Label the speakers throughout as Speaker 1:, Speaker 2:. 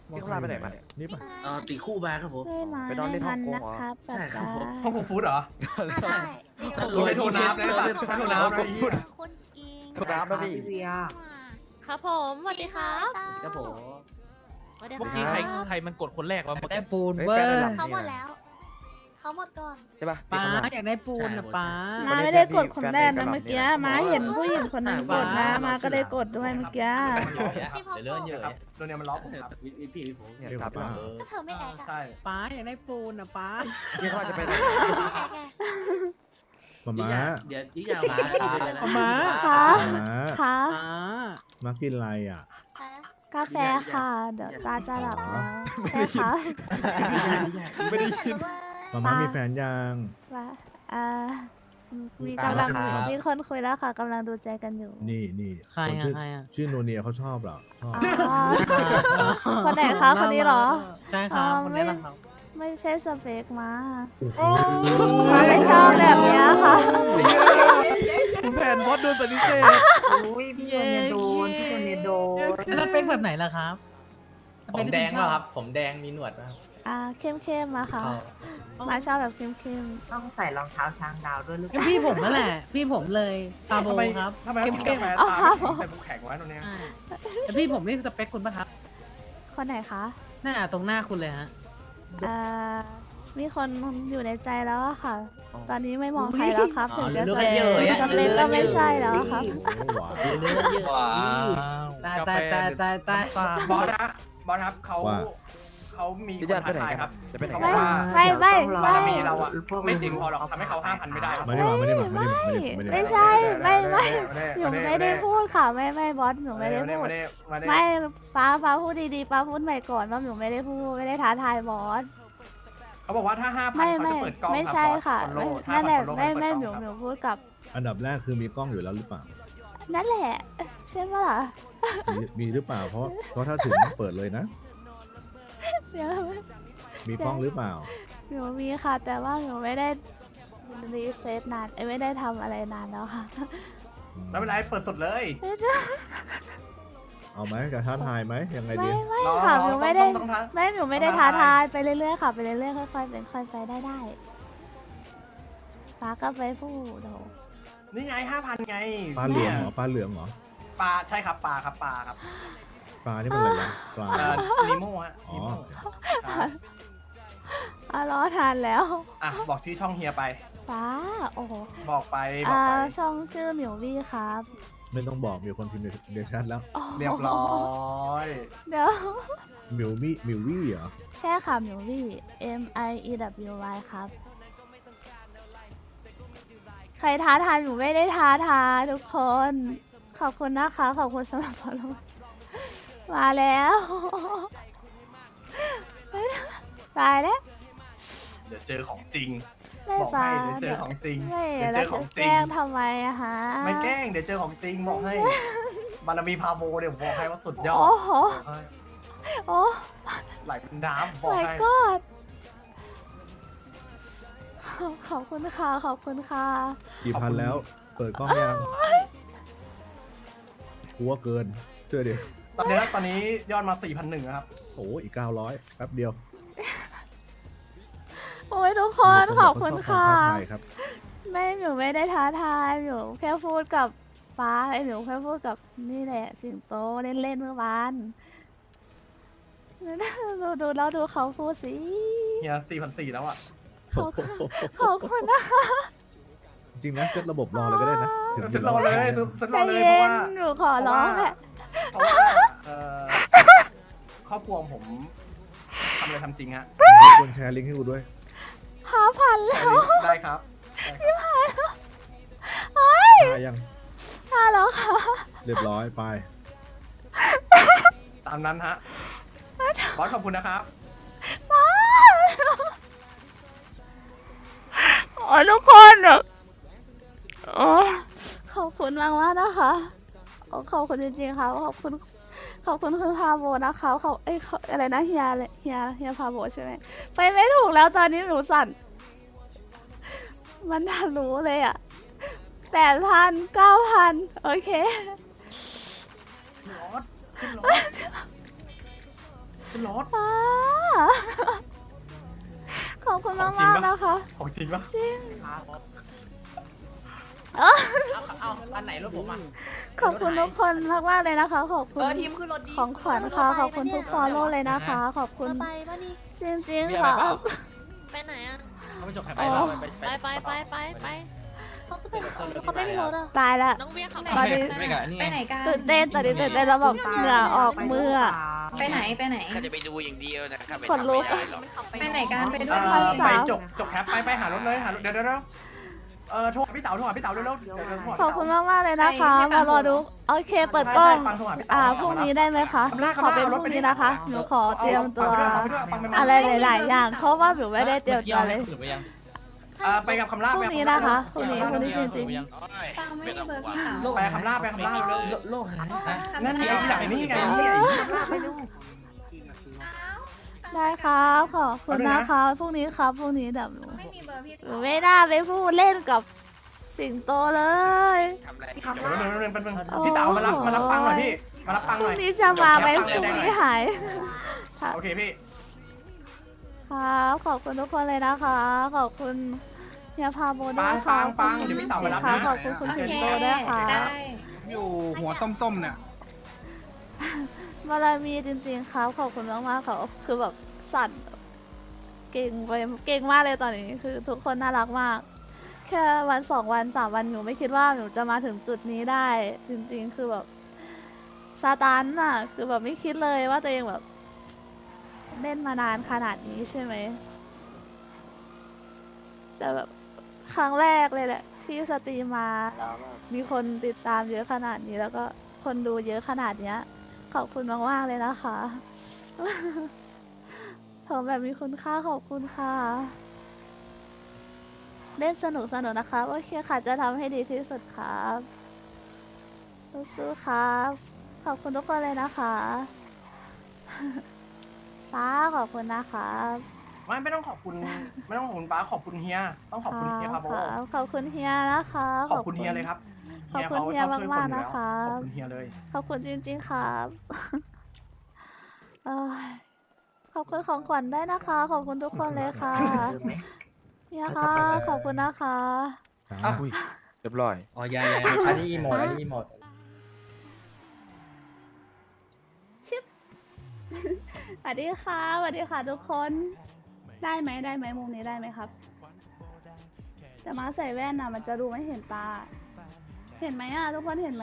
Speaker 1: พี่เขาลาไปไหนมาเนี่ย
Speaker 2: นี่ปะ
Speaker 3: ตีคู่มาครับผม
Speaker 4: ช่วยมา
Speaker 1: ไปนอนเล่นฮ่
Speaker 4: ทั
Speaker 1: อง
Speaker 4: น
Speaker 1: กง
Speaker 4: นะ
Speaker 1: เหรอ
Speaker 4: ครับ
Speaker 3: ใช่ครับผม
Speaker 5: ห้องฟู้ดเหรอ
Speaker 4: ใช่
Speaker 5: รู้ให้โทรน้ำนะโทรน้ำนะ
Speaker 4: คนกิน
Speaker 1: ถูกน้ำนะพี่
Speaker 4: ครับผมสวัสดีครับ
Speaker 3: ครับผม
Speaker 4: สวัสดี
Speaker 6: เมื่อ
Speaker 4: ค
Speaker 6: กี้
Speaker 4: รับ
Speaker 6: ใครมันกดคนแรกวะเมื่อ
Speaker 7: ได้
Speaker 6: กี้
Speaker 7: ปูน
Speaker 1: เฮ้ย
Speaker 7: เว้
Speaker 1: แฟ
Speaker 7: ย
Speaker 1: นในหลัง
Speaker 4: เขา
Speaker 1: นี่
Speaker 4: หมด
Speaker 1: นะ
Speaker 4: แล้ว เขาหมดก่อน
Speaker 1: ใช่ปะ
Speaker 7: ป้า
Speaker 1: พี่เขาลา
Speaker 7: อยากได้ปูนนะป้า
Speaker 4: มาไม่ได้กดคนแรกนะเมื่อกี้มาเห็นผู้หญิงคนนั้นกดนะมาก็เลยกดด้วยเมื่อกี้
Speaker 6: เดี๋ยวเลื่อนเยอะ
Speaker 5: ครับตัวเนี้ยมันล็อกผมครับ
Speaker 3: พี่ผม
Speaker 1: เนี่ย
Speaker 2: เรียก
Speaker 1: ครับ
Speaker 2: ป้า
Speaker 4: ก็เธอไม่แอก
Speaker 5: ใช่
Speaker 7: ป้าอยากได้ปูนนะป้า
Speaker 1: พี่เขาอาจจะไปไหน
Speaker 2: มาม่า
Speaker 3: เดี๋ยวยิ่งยาวมา
Speaker 7: ม้า
Speaker 4: ค่ะ
Speaker 2: ม้า
Speaker 4: ค่ะ
Speaker 7: ป้า
Speaker 2: มากินอะไรอ่ะ
Speaker 4: กาแฟค่ะ เดี๋ยวตาจะหลับแล้วใช่ค่ะ
Speaker 1: ไม่ได้ยิน
Speaker 2: มาม่ามีแฟนยัง
Speaker 4: ว่ามีกำลังมีคนคุยแล้วค่ะกำลังดูใจกันอยู่
Speaker 2: นี่
Speaker 7: ใคร
Speaker 2: คน
Speaker 7: อ่ะ
Speaker 2: ชื่อ
Speaker 7: ใครอ่ะ
Speaker 2: ชื่อโนเนียเขาชอบเหรอชอบ
Speaker 4: อ๋อคนไหนคะคนนี้เหรอ
Speaker 7: ใช่ครับ
Speaker 4: อ๋อ
Speaker 7: คนนี้แหละครับ
Speaker 4: ไม่ใช่สเปคมา
Speaker 2: โอ้โห
Speaker 4: มาไม่ชอบแบบเนี้ยค่ะ
Speaker 1: คุณแผนบอสโดนปฏิเสธ
Speaker 8: อุ้ยพี่โดนเนี่ยโดนพี่โดนเนี่ยโดน
Speaker 7: แล้วเป็นแบบไหนล่ะครับ
Speaker 6: ผมแดงป่ะครับ ผมแดงมีหนวดป่ะครับ
Speaker 4: เข้มๆมาค่ะ มาชอบแบบเข้ม
Speaker 8: ต้องใส่รองเท้าช้างดาวด้วยหรือเปล่า
Speaker 7: พี่ผมนั่นแหละ พี่ผมเลยปาโบ
Speaker 5: ทำไม
Speaker 7: ครับ
Speaker 5: ทำไม
Speaker 7: เข้
Speaker 5: เข้
Speaker 7: ม
Speaker 5: ม
Speaker 7: เข้ม
Speaker 5: แฟตาใส่บุกแข็งไว้ตรงเนี้ย
Speaker 7: แต่พี่ผมนี่สเปคคุณป่ะครับ
Speaker 4: ๆคนไหนคะ
Speaker 7: หน้าตรงหน้าคุณเลยฮะ
Speaker 4: อ่ามีคนอยู่ในใจแล้วอะค่ะ ตอนนี้ไม่มองใครแล้วครับ ถึงจะ
Speaker 6: เลือก
Speaker 4: ส
Speaker 6: กันเยอะอะ
Speaker 4: เปคก็ไม่ใช่แล้วอะครับ
Speaker 2: โอ้โหหวาน
Speaker 6: เลือกเยอะ
Speaker 1: ว้าว
Speaker 7: ตายตายตายตายตาย
Speaker 5: บอสนะบอสครับเขามีค
Speaker 1: พี่
Speaker 5: น
Speaker 1: ญาติไป
Speaker 5: ท้า
Speaker 1: ไหน
Speaker 5: ทาย
Speaker 1: ค
Speaker 5: ค
Speaker 1: รั
Speaker 5: รั
Speaker 1: บบ จะไปไหน
Speaker 5: เขา
Speaker 1: กับ
Speaker 5: อก
Speaker 1: น
Speaker 5: ว่า
Speaker 4: ไม่
Speaker 5: บารมีเราอะไม่จริงพอหรอกทำให้เขา5,000ไม่ได้ครับ
Speaker 2: ไม่ได้มาไม่ได้มาไม่ได้มาไม่ได้มา
Speaker 4: ไม่ใช่ ไม่หนูไม่ได้พูดค่ะ ไม่บอสหนูไม่ได้พูด ไม่ฟ้าพูดดีๆฟ้าพูดใหม่ก่อนว่าหนูไม่ได้พูดไม่ได้ท้าทายบอส
Speaker 5: เขาบอกว่าถ้า 5,000
Speaker 4: ไม่
Speaker 5: เขาจะเปิดกล้อง
Speaker 4: ไม่ใช่ค่ะ
Speaker 5: รับ
Speaker 4: นั่นแหละ
Speaker 5: follow
Speaker 4: ไม่
Speaker 5: 5,000
Speaker 4: หนู
Speaker 5: follow
Speaker 4: พูดกับ
Speaker 2: อันดับแรกคือมีกล้องอยู่แล้วหรือเปล่า
Speaker 4: นั่นแหละใช่ปะล่ะ
Speaker 2: มีหรือเปล่าเพราะถ้าถึงต้องเปิดเลยนะ
Speaker 4: เดี๋ยว
Speaker 2: มีกล้องหรือเปล่า
Speaker 4: หนูมีค่ะ แต่ว่าหนูไม่ได้รีเซ็ตนานไม่ได้ทำอะไรนานแล้วค่ะ
Speaker 5: แล้วเป็นไรเปิดสดเลย
Speaker 2: เอาไหมจะท้าทายไหมยังไงดี
Speaker 4: ไม่ค่ะหนูไม่ได้
Speaker 5: ต้องท้า
Speaker 4: ไม่หนูไม่ได้ท้าทายไปเรื่อยๆค่ะไปเรื่อยๆค่อยๆเป็นค่อยไปได้ฟ้าก็ไปพูดโอ้
Speaker 5: นี่ไง 5,000 ไง
Speaker 2: ปลาเหลืองเหรอปลาเหลืองเหรอ
Speaker 5: ปลาใช่ครับปลาครับปลาครับ
Speaker 2: ปลานี่มันอะไรวะปลา
Speaker 5: นิโม่ฮะ
Speaker 2: อ๋อ
Speaker 5: นิโม่ครับ
Speaker 4: รอทานแล้ว
Speaker 5: อ่ะบอกชื่อช่องเฮียไป
Speaker 4: ฟ้าโอ้โห
Speaker 5: บอกไปบอกไป
Speaker 4: ช่องชื่อหมิววี่ครับ
Speaker 2: ไม่ต้องบอกมีคนพิมพ์ในแชทแล้ว
Speaker 4: โอ้โห
Speaker 5: เรียบร้อย
Speaker 4: เดี๋ยว
Speaker 2: มิววี่เหรอ
Speaker 4: ใช่ค่ะหมิววี่ MIEWY ครับ ใครท้าทายหนูไม่ได้ท้าทายทุกคน ขอบคุณนะคะ ขอบคุณสำหรับ follow มาแล้ว ตายแล้ว
Speaker 5: เดี๋ยวเจอของจริง
Speaker 4: ไม่
Speaker 5: บอก
Speaker 4: ฟ้า
Speaker 5: ให้เดี๋ยวเจอของจริง
Speaker 4: ไม่
Speaker 5: เดี๋ยว
Speaker 4: แล้
Speaker 5: เจ
Speaker 4: ว
Speaker 5: อของ
Speaker 4: จะ
Speaker 5: จริ
Speaker 4: แกล้
Speaker 5: ง
Speaker 4: งทำไมอะฮะ
Speaker 5: ไม่แกล้งเดี๋ยวเจอของจริงบอกให้ บารมีพาโบเดี๋ยวบอกให้ว่าสุดยอด
Speaker 4: โอ้โห
Speaker 5: บอกให้
Speaker 4: โอ้
Speaker 5: ไหลเป็นน้ำบอก
Speaker 4: my
Speaker 5: ให้
Speaker 4: god ขอบคุณค่ะ ขอบคุณค่ะ
Speaker 2: กี่พันแล้ว เปิดกล้องยังกลัวเกินเชื่อดิ
Speaker 5: ตอนนี้ยอดมา 4,100นะครับ
Speaker 2: โอ้อีก900แป๊บเดียว
Speaker 4: โอ้ยทุกคนขอบคุณค่ะ
Speaker 2: ท้าทายครับ
Speaker 4: ไม่หนูไม่ได้ท้าทายหนูแค่พูดกับฟ้าหนูแค่พูดกับนี่แหละสิงโตเล่นๆเมื่อวานดูแล้วดูเขาพูดสิ
Speaker 5: เฮีย4,400แล้วอ่ะ
Speaker 4: ขอบคุณนะคะ
Speaker 2: จริงนะเซตระบบรอเลยก็ได้นะถึง
Speaker 5: สุดรอเลยสุด
Speaker 4: ใจ
Speaker 5: รอเลยเพ
Speaker 4: เย็
Speaker 5: ราะ
Speaker 4: น
Speaker 5: ว่า
Speaker 4: หนูขอร้องแหละ
Speaker 5: เพราะว่าครอบครัวผมทำอะไรทำจริงฮะ
Speaker 2: ควรแชร์ลิงก์ให้กูด้วย
Speaker 4: 5,000 แล้ว
Speaker 5: ได้ครับได้ครับ
Speaker 2: ได้ยัง
Speaker 4: 5แล้วค่ะ
Speaker 2: เรียบร้อยไป
Speaker 5: ตามนั้นฮะบอสขอบคุณนะครับ
Speaker 4: โอ้ยทุกคนแบบโอ้ขอบคุณมากๆนะคะโอ้ขอบคุณจริงๆค่ะขอบคุณคุณพาโบนะคะอะไรนะเฮียพาโบใช่ไหมไปไม่ถูกแล้วตอนนี้หนูสั่น มันทะลุเลยอ่ะ8,000 9,000 โอเค
Speaker 5: ขึ้นรถขึ้นรถ
Speaker 4: ป้า ขอบคุณมากๆนะคะ
Speaker 5: ของจริงปะ
Speaker 4: จริง
Speaker 6: เอาอันไหนรถผมอ่ะ
Speaker 4: ขอบคุณทุกคนมากๆเลยนะคะ ขอบคุณ
Speaker 3: ทีมขึ้นรถดี
Speaker 4: ของขวัญค่ะ ขอบคุณทุกฟอลโล่เลยนะคะ ขอบคุณ
Speaker 3: ไปป่ะนี่
Speaker 4: จริงๆค่ะ
Speaker 3: ไปไหนอ่ะ
Speaker 6: เขาไปจบใคร
Speaker 4: อ๋
Speaker 6: ไป
Speaker 4: อ
Speaker 3: ไปเขาจะเป็นเขาไม่มีรถอ่ะ
Speaker 4: ตายละ
Speaker 3: น้องเบียร์ขับ
Speaker 4: ตอนนี้
Speaker 6: ไม่กับนี่
Speaker 3: ไปไหนกัน
Speaker 4: ตื่นเต้นตอนนี้ตื่นเต้นแล้วแบบเหงื่อออกมืออะ
Speaker 3: ไปไหนไปไหน
Speaker 9: ก็จะไปดูอย่างเดียวนะครับ
Speaker 4: ขนลุก
Speaker 9: ไม่ได้หรอก
Speaker 3: ไปไหนกันไปด้
Speaker 5: เอ
Speaker 3: วย
Speaker 5: อ
Speaker 3: ดิ
Speaker 5: ไปจบแคปไปหารถเลยหารถเดี๋ยวโทรหาพี่เต๋าโทรหาพี่เต๋าเร็วๆเดี๋ยวโทรหาพี่
Speaker 4: ขอบ
Speaker 5: เต๋า
Speaker 4: คุณมากๆเลยนะคะมารอดูโอเคเปิดกล้องพรุ่งนี้ได้ไหมคะ ขอเป็นพรุ่งนี้นะคะ หนูขอเตรียมตัวอะไรหลายๆอย่าง เพราะว่าหนูไม่ได้เตรียมตัวเลย
Speaker 5: ไปกับคำล่า
Speaker 4: พรุ่งนี้นะคะพรุ่งนี้จริง
Speaker 3: ปังไม่มีเบอร์พี่สาว
Speaker 5: ไปคำล่าเร็ว
Speaker 7: โลกหาย
Speaker 5: นั่นไงที่ไหนนี่ไงนี่ไง
Speaker 4: ๆได้ครับขอบคุณนะคะพรุ่งนี้ครับพรุ่งนี้เดี๋ยวหนู
Speaker 3: ไม่มีเบอร์พี่
Speaker 4: หนูไม่น่าไปพูดเล่นกับสิงโตเลย
Speaker 9: ทำอะไร
Speaker 5: พี่เต๋ามารับปังหน่อยพี่มารับปัง
Speaker 4: พ
Speaker 5: ห
Speaker 4: รุ่
Speaker 5: น่
Speaker 4: ง
Speaker 5: อย
Speaker 4: นี้จะมาไหมพรุ่งนี้หาย
Speaker 5: โอเคพี่
Speaker 4: ครับขอบคุณทุกคนเลยนะคะ ขอบคุณเฮียพาโบด้วยค่ะ
Speaker 5: ปังเดี๋ยวพี่เต๋ามารับ
Speaker 4: ค่ะ
Speaker 5: นะ
Speaker 4: ขอบคุณคุณสิงโตด้วยค่ะ
Speaker 3: ได้
Speaker 1: อยู่หัวส้มๆเนี่ย
Speaker 4: บารมีจริงๆครับขอบคุณมากๆค่ะคือแบบสั่นเก่งไปเก่งมากเลยตอนนี้คือทุกคนน่ารักมาก แค่วัน2 วัน3 วันหนูไม่คิดว่าหนูจะมาถึงจุดนี้ได้ จริงๆ คือแบบซาตานน่ะ คือแบบไม่คิดเลยว่าตัวเองแบบเล่นมานานขนาดนี้ใช่ไหมจะแบบครั้งแรกเลยแหละ ที่สตรีมมาแล้วแบบมีคนติดตามเยอะขนาดนี้แล้วก็คนดูเยอะขนาดเนี้ย ขอบคุณมากๆเลยนะคะ ผมแบบมีคุณค่าขอบคุณค่ะ เล่นสนุกนะคะโอเคค่ะจะทำให้ดีที่สุดครับสู้ๆครับ ขอบคุณทุกคนเลยนะคะ ป้าขอบคุณนะคะ
Speaker 5: ไม่ต้องขอบคุณป้าขอบคุณเฮียต้องขอบคุณเฮียครับโบ
Speaker 4: ครับขอบคุณเฮียนะคะ
Speaker 5: ขอบคุณเฮียเลยครับ
Speaker 4: ขอบคุณเฮียมากๆนะคะ
Speaker 5: ขอบคุณเฮียเลย
Speaker 4: ขอบคุณจริงๆครับ เอ้ยขอบคุณของขวัญได้นะคะ ขอบคุณทุกคนเลยค่ะเฮียค่ะขอบคุณนะคะ
Speaker 2: จ้า
Speaker 6: เรียบร้อยอ๋อยายอันนี้อีโมดอันนี้อีโมด
Speaker 4: สวัสดีค่ะสวัสดีค่ะทุกคนได้ไหมมุมนี้ได้ไหมครับแต่มาใส่แว่นน่ะมันจะดูไม่เห็นตา เห็นไหมอ่ะทุกคนเห็นไหม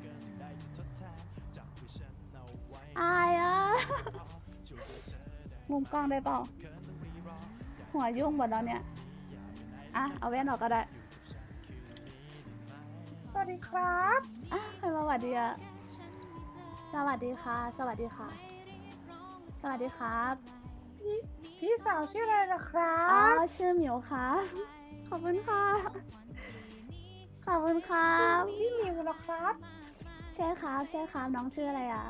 Speaker 4: อายอ่ะ มุมกล้องได้เปล่าหัวยุ่งหมดแล้วเนี่ยอ่ะเอาแว่นออกก็ได้สวัสดีครับอ่ะใครมาสวัสดีอ่ะสวัสดีค่ะสวัสดีค่ะสวัสดีครับพี่สาวชื่ออะไรล่ะครับอ๋อชื่อหมิวค่ะขอบคุณค่ะขอบคุณครับพี่หมิวเหรอครับใช่ครับน้องชื่ออะไรอ่ะ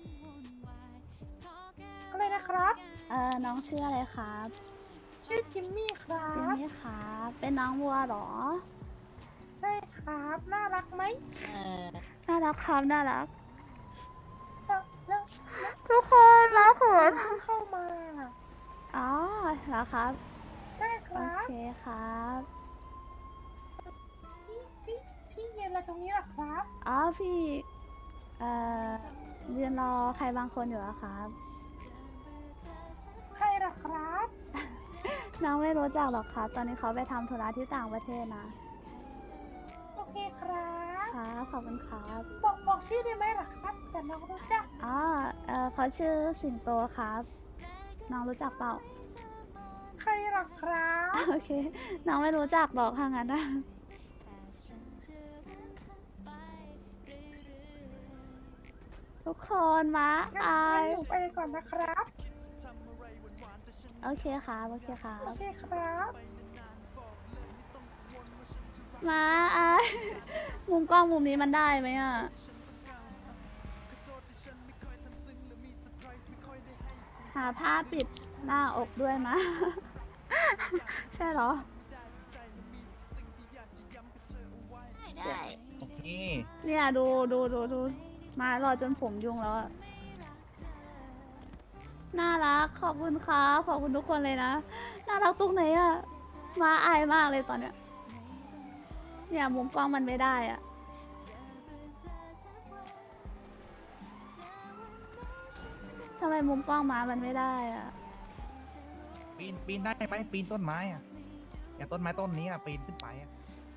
Speaker 4: อะไรนะครับน้องชื่ออะไรครับชื่อจิมมี่ครับจิมมี่ครับเป็นน้องวัวเหรอใช่ครับน่ารักไหมน่ารักครับน่ารักทุกคนรักเขินเข้ามาอ๋อเหรอครับใช่ครับโอเคครับพี่เรียนอะไรตรงนี้หรอครับอ๋อพี่เรียนรอใครบางคนอยู่อะครับใครหรอครับ น้องไม่รู้จักหรอกครับตอนนี้เขาไปทำธุระที่ต่างประเทศนะโอเคครับครับขอบคุณครับบอกชื่อได้ไหมหรอครับแต่น้องรู้จักอ๋อเขาชื่อสิงโตครับน้องรู้จักเปล่าใครหรอครับโอเคน้องไม่รู้จักหรอกทางนั้นนะทุกคนมาอายไปก่อนนะครับโอเคครับโอเคครับโอเคครับมาอายมุมกล้องมุมนี้มันได้ไหมอ่ะหาผ้าปิดหน้าอกด้วยนะ ใช่เหรอได้เนี่ยดูมารอจนผมยุ่งแล้วอะน่ารักขอบคุณครับขอบคุณทุกคนเลยนะน่ารักตรงไหนอะมาอายมากเลยตอนเนี้ยเนี่ยมุมกล้องมันไม่ได้อะทำไมมุมกล้องมามันไม่ได้อะ
Speaker 1: ปีนได้ไหมปีนต้นไม้อ่ะอย่างต้นไม้ต้นนี้อ่ะปีนขึ้นไปอ่ะ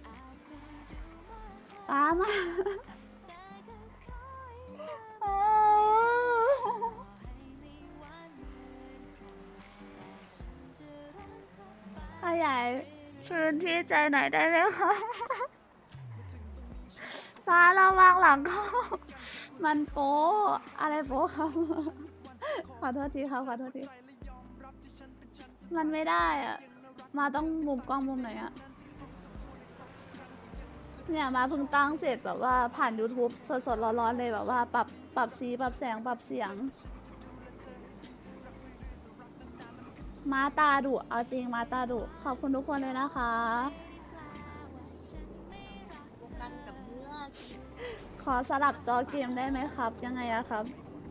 Speaker 4: ป้ามาขยายพื้นที่ใจหน่อยได้ไหมคะป้าเราวางหลังเขามันโป๊อะไรโป๊ครับ ขอโทษทีครับขอโทษทีมันไม่ได้อ่ะมาต้องมุมกล้องมุมไหนอ่ะเนี่ยมาเพิ่งตั้งเสร็จแบบว่าผ่าน YouTube สดๆร้อนๆเลยแบบว่าปรับสีปรับแสงปรับเสียงมาตาดุเอาจริงมาตาดุขอบคุณทุกคนเลยนะคะขอสลับจอเกมได้ไหมครับยังไงอะครับ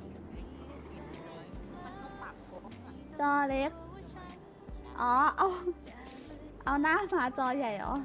Speaker 4: จอเล็กอ๋อเอาหน้ามาจอใหญ่เหรอ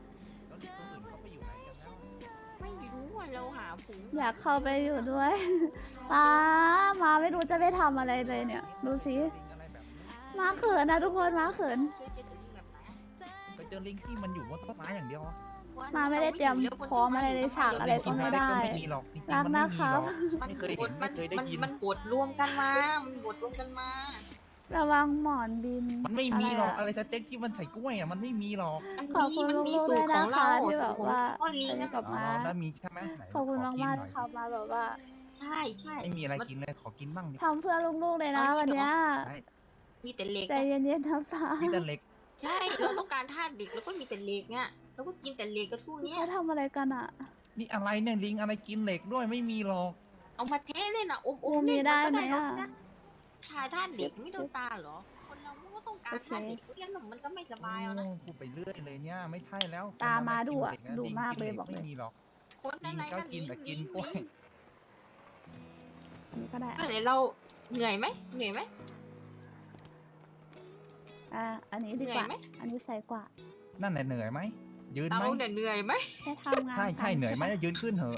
Speaker 3: ไม่รู้ว่าเราหาผู
Speaker 4: อยากเข้าไปอยู่ด้วย ป้ามาไม่รู้จะไปทำอะไรเลยเนี่ย ดูสิมาเขินนะทุกคนมาเขิน
Speaker 1: ไปเจอลิงที่มันอยู่บนต้นไม้อย่างเดียวอะ
Speaker 4: มาไม่ได้เตรียมพร้อมอะไรในฉากอะไรก็ไม่ได้
Speaker 1: ไม่มีหรอกจริงๆ
Speaker 4: รัก
Speaker 1: มัน
Speaker 4: นะ
Speaker 1: ไม่
Speaker 4: ค
Speaker 1: มี
Speaker 4: รั
Speaker 1: หร
Speaker 4: บ
Speaker 1: อกไม่เคยเห็นไม่เคยได้ยิน
Speaker 3: มันบดรวมกันมา มันบดรวมกันมา
Speaker 4: ระวังหมอนบิน
Speaker 1: มันไม่มีหรอก
Speaker 4: ะ
Speaker 1: อะไรสเต็กที่มันใส่กล้วยอ่ะมันไม่มีหรอก
Speaker 4: ขอบคุณ
Speaker 3: มัน
Speaker 4: ลู
Speaker 3: มี
Speaker 4: กๆ
Speaker 3: สู
Speaker 4: ด้
Speaker 3: ต
Speaker 4: วย
Speaker 3: รข
Speaker 4: นะ
Speaker 3: องเรา
Speaker 4: คะที่
Speaker 3: สู
Speaker 4: แบ
Speaker 3: ตร
Speaker 4: บ
Speaker 3: ของ
Speaker 4: ว่า
Speaker 3: พ่อลิง
Speaker 4: เล่น
Speaker 3: อะ
Speaker 4: กับ
Speaker 1: อ๋อ
Speaker 4: มา
Speaker 1: แล้วมีใช่ไหมไหน
Speaker 4: ขอบคุณมาก
Speaker 1: น
Speaker 4: มาก
Speaker 1: หน่
Speaker 4: ที่
Speaker 1: อย
Speaker 4: เขามาแบบว่า
Speaker 3: ใช่ใช่
Speaker 1: ไม่มีอะไรกินเลยขอกินบ้างดิ
Speaker 4: ทำเพื่อลูกๆเลยนะวันเนี้ย
Speaker 1: ได้
Speaker 3: มีแต่เหล็ก
Speaker 4: ใจเย็นๆนะฟ้า
Speaker 1: มีแต่เล็ก
Speaker 3: ใช่ เราต้องการธาตุเหล็กแล้วก็มีแต่เหล็กเนี่ยแล้วก็กินแต่เหล็กกับทุกเนี้ย
Speaker 4: เขาทำอะไรกันอ่ะ
Speaker 1: นี่อะไรเนี่ยลิงอะไรกินเหล็กด้วยไม่มีหรอก
Speaker 3: เอามาเทเล่นอ่ะอม
Speaker 4: กู
Speaker 3: ๆ
Speaker 4: มี
Speaker 3: เล่น
Speaker 4: ได้
Speaker 3: ก็
Speaker 4: ไหม
Speaker 3: หรอก
Speaker 4: อ่ะ
Speaker 3: นะชายธาตุเหล็กไม่โดนตาเหรอ คนเรามันก็ต้องการธาตุเหล็กไม่งั้นมันก็ไม่สบายเอานะ
Speaker 1: โอ้พูดไปเรื่อยเลยเนี่ยไม่ใช่แล้ว
Speaker 4: ตามาดุอะ
Speaker 1: คนนั้น
Speaker 4: ดุ
Speaker 1: กิน
Speaker 4: มาก
Speaker 1: ห
Speaker 4: เลยบอกเลย
Speaker 1: ไม่มีหรอก
Speaker 3: คนอะไร
Speaker 1: ลิงก็
Speaker 3: นั่น
Speaker 1: กินแต่กินกล้วย
Speaker 4: อันนี้ก็ได้
Speaker 3: เดี๋ยวเราเหนื่อยไหมเหนื่อยไหม
Speaker 4: อันนี้ดีกว่า
Speaker 3: เหนื่อยไหม
Speaker 4: อันนี้ใส่กว่า
Speaker 1: นั่นแหละเหนื่อยไหมยืน
Speaker 3: เรา
Speaker 1: ไหม
Speaker 3: เนี่ยเหนื่อยไหม
Speaker 4: แค่ทำงาน
Speaker 1: ใช่ใช่เหนื่อยไหมยืนขึ้นเถอะ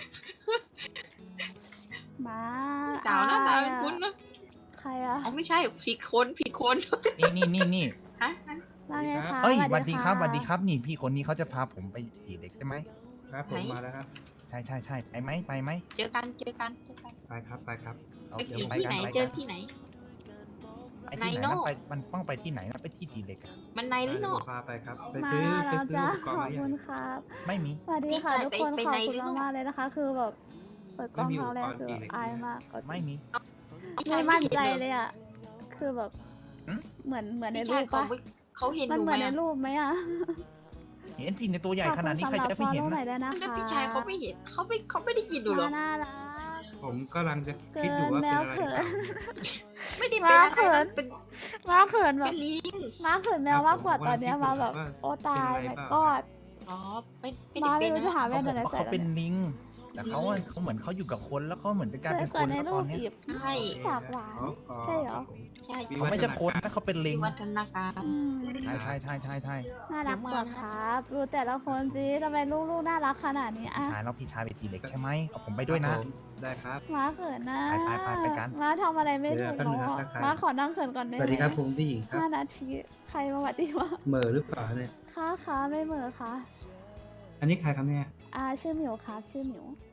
Speaker 4: มา
Speaker 3: สาวหน้าตา
Speaker 4: อายอะ
Speaker 3: คุ้นๆนะ
Speaker 4: ใครอะ
Speaker 3: อ๋อไม่ใช่ผิดคนผิดคน
Speaker 1: นี่
Speaker 3: ฮะ
Speaker 4: ว่าไงคะ
Speaker 1: เอ้ยส
Speaker 4: ส
Speaker 1: วัสดีครับสวัสดีครับนี่พี่คนนี้เขาจะพาผมไปจีเด็กใช่ไหม
Speaker 2: ครับผมมาแล้วครับ
Speaker 1: ใช่ไปไหม
Speaker 3: เจอกัน
Speaker 2: ไปครับไปครับ
Speaker 1: โอ
Speaker 3: ไป
Speaker 1: เค
Speaker 3: กี่
Speaker 1: ไป
Speaker 3: ที่
Speaker 1: กัน
Speaker 3: ไหน
Speaker 1: ไป
Speaker 3: เจ
Speaker 1: กั
Speaker 3: อน ที่ไหน
Speaker 1: ไอ้ที่ไหน
Speaker 3: ไนโน่
Speaker 1: นะไปมันต้องไปที่ไหนนะไปที่จีเด็กอะ
Speaker 3: มันในหรืออก
Speaker 2: พาไปครับ ไป
Speaker 4: มา
Speaker 2: ซื้อ
Speaker 4: แล้ว
Speaker 2: ไปซื้อ
Speaker 4: จ้า
Speaker 2: อุปก
Speaker 4: ข
Speaker 2: รณ์
Speaker 4: อบ
Speaker 2: มา
Speaker 4: คุ
Speaker 2: อย่าง
Speaker 4: ณครับ
Speaker 1: ไม่มี
Speaker 4: สวัสดีค่ะทุกคน
Speaker 3: ไป
Speaker 4: ขอบ
Speaker 3: ใน
Speaker 4: คุณ
Speaker 3: หรือ
Speaker 4: มากๆเลยนะคะ คือแบบเปิดกล้องครั้งแรกคือแบบอายมากก็จริง
Speaker 1: ไม่มี
Speaker 4: ไม่มั่นใจเลยอ่ะคือแบบ
Speaker 1: หืม
Speaker 4: เหมือนใน
Speaker 3: พี่
Speaker 4: รู
Speaker 3: ชาย
Speaker 4: ปปะ
Speaker 3: เขาเห็นห
Speaker 4: มัน
Speaker 3: นู
Speaker 4: เห
Speaker 3: ไห
Speaker 4: มื
Speaker 3: ม
Speaker 4: อนใน
Speaker 3: อะ
Speaker 4: รูปไหมอ่ะ
Speaker 1: เห็นจริงในตัวใหญ่ขนาดนี้
Speaker 4: ขอบ
Speaker 1: ใคร
Speaker 4: คุณ
Speaker 1: จะ
Speaker 4: สำห
Speaker 1: ไม่
Speaker 4: รับ
Speaker 1: เห็น
Speaker 4: follow หน่
Speaker 1: นะ
Speaker 4: อยด้วยนะคะ
Speaker 3: แต่พี่ชายเขาไม่เห็นเขาไม่ได้ยินดูหรอ
Speaker 4: น่ารัก
Speaker 2: ผมกำลังจะ
Speaker 4: เกิ
Speaker 2: คิดอยู่
Speaker 4: น
Speaker 2: ว่า
Speaker 4: แม
Speaker 2: เป็น
Speaker 4: ว
Speaker 2: อะไร
Speaker 4: เขิน
Speaker 3: ไม่ได้เป็นอะไร
Speaker 4: เขิน
Speaker 3: นะเป็น
Speaker 4: มาเขินแบ
Speaker 3: เป็
Speaker 4: บ
Speaker 3: นลิง
Speaker 4: มาเขินแมวมากกว่าตอนเนี้ยมาแบบโอ้ตายแบบกอด
Speaker 3: อ๋อไม่
Speaker 4: มา
Speaker 3: ได้
Speaker 4: ไม่
Speaker 3: เป็น
Speaker 4: รู้จะ
Speaker 3: นะ
Speaker 4: หา
Speaker 1: เขา
Speaker 4: แว่น
Speaker 1: บ
Speaker 4: อะ
Speaker 1: อก
Speaker 4: ไร
Speaker 1: ว่า
Speaker 4: ใส่
Speaker 1: เขา
Speaker 4: แล้ว
Speaker 1: เป็น
Speaker 4: เนี่ย
Speaker 1: ลิง แต่เขาเหมือนเขาอยู่กับคนแล้วเขาเหมือนจะกลาย
Speaker 4: สว
Speaker 1: เป็
Speaker 4: ย
Speaker 1: น
Speaker 4: ก
Speaker 1: ค
Speaker 4: ว่าน ใน
Speaker 1: แล้ว
Speaker 4: รู
Speaker 1: ตอ
Speaker 4: ป
Speaker 1: นเนี้ย
Speaker 4: อีก
Speaker 3: ใช่
Speaker 4: ปากหวาน ใช่เหรอ
Speaker 3: ใช่
Speaker 1: เขาไม่ใช่คนนะเขาเป็นลิง
Speaker 3: วิวัฒนาการ
Speaker 4: อืม
Speaker 1: ใช่
Speaker 4: น่ารักกว่าครับดูแต่ละคนสิทำไมลูกๆน่ารักขนาดนี้
Speaker 1: พี่
Speaker 4: อ่ะ
Speaker 1: ชายแล้วพี่ชายไปจีเด็กใช่ไหมเอาผมไปด้วยนะ
Speaker 2: ได้ครับ
Speaker 4: มาเขินนะ
Speaker 1: ไปกัน
Speaker 4: มาทำอะไรไม่ถูก
Speaker 2: เดี๋ยว
Speaker 4: เนาะ
Speaker 2: แป๊บนึงนะทักทาย
Speaker 4: มาขอนั่งเขินก่อนได้
Speaker 2: ส
Speaker 4: ไหม
Speaker 2: วัสดีครับผมผู้หญิงครับ
Speaker 4: 5 นาทีใครมาหวัดดีวะ
Speaker 2: เหม่อหรือเปล่าเนี่ย
Speaker 4: ค่ะไม่เหมือค่ะ
Speaker 2: อันนี้ใครครับเนี่ย
Speaker 4: ชื่อหมิวครับชื่อหมิว